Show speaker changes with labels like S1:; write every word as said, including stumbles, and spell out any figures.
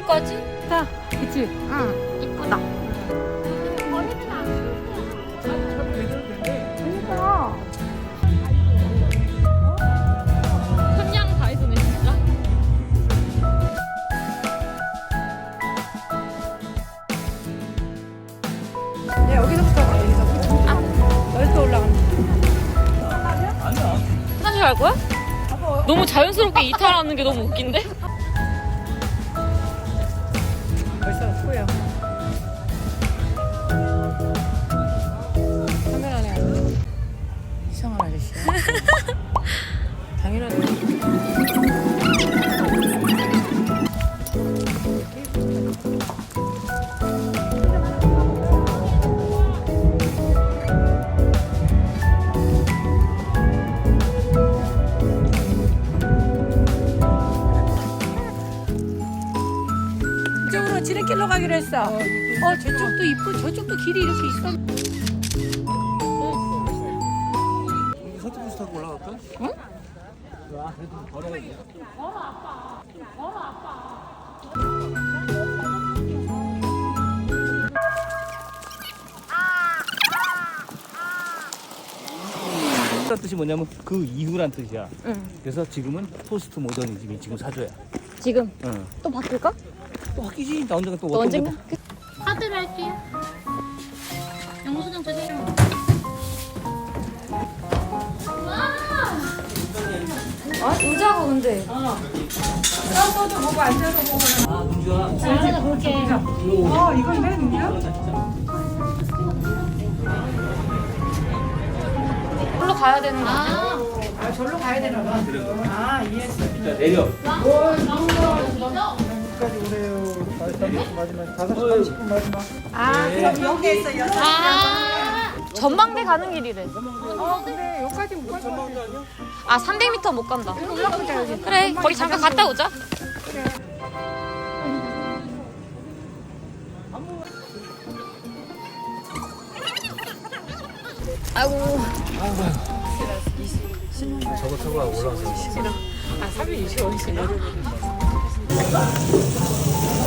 S1: 거지?
S2: 자, 그치?
S1: 응, 이쁘다.
S2: 그러니까.
S1: 삼양 다이소네 진짜.
S2: 네, 여기서부터 가, 여기서부터. 아, 여기서 올라간다.
S1: 화장실 갈 거야? 너무 자연스럽게 이탈하는 게 너무 웃긴데?
S2: 벌써 후회야. 카메라네. 이상한 아저씨야. 당연하지. 이쪽으로 지름길로 가기로 했어. 어, 저쪽도 이쁘, 저쪽도 길이 이렇게 있어.
S3: 서쪽부터 타고 올라갈까?
S2: 응?
S3: 아, 그래도 걸어야지. 그 뜻이 뭐냐면 그 이후란 뜻이야.
S1: 응.
S3: 그래서 지금은 포스트 모더니즘이 지금 사줘야.
S1: 지금
S3: 응.
S1: 또 바뀔까?
S3: 또 바뀌지. 나 언젠가 또
S1: 또
S3: 어떤
S1: 언젠가?
S3: 거-
S1: 카드를 할게요. 영수증 주세요. 아, 의자가 근데.
S2: 떠도 보고 앉아서 보고.
S3: 아, 문주야.
S1: 잘하다 볼게.
S2: 어, 이건 내 눈이야?
S1: 걸로 가야 되는 거 아니야?
S2: 아, 절로 가야 되나 봐. 아, 이해했어.
S3: 자, 내려.
S4: 까지 오래요. 마지막 다섯 시 삼십 분 마지막.
S2: 아, 그럼 여기 있어, 여섯
S1: 아, 전망대 가는 길이래.
S2: 어, 근데 여기까지 못 갈 것 같아.
S1: 아, 삼백 미터 못 간다.
S2: 올라가자, 여기.
S1: 그래, 거기 잠깐 갔다 오자. 아이고.
S3: 저거 타고 올라가서.
S2: 아, 삼백이십 원이시나?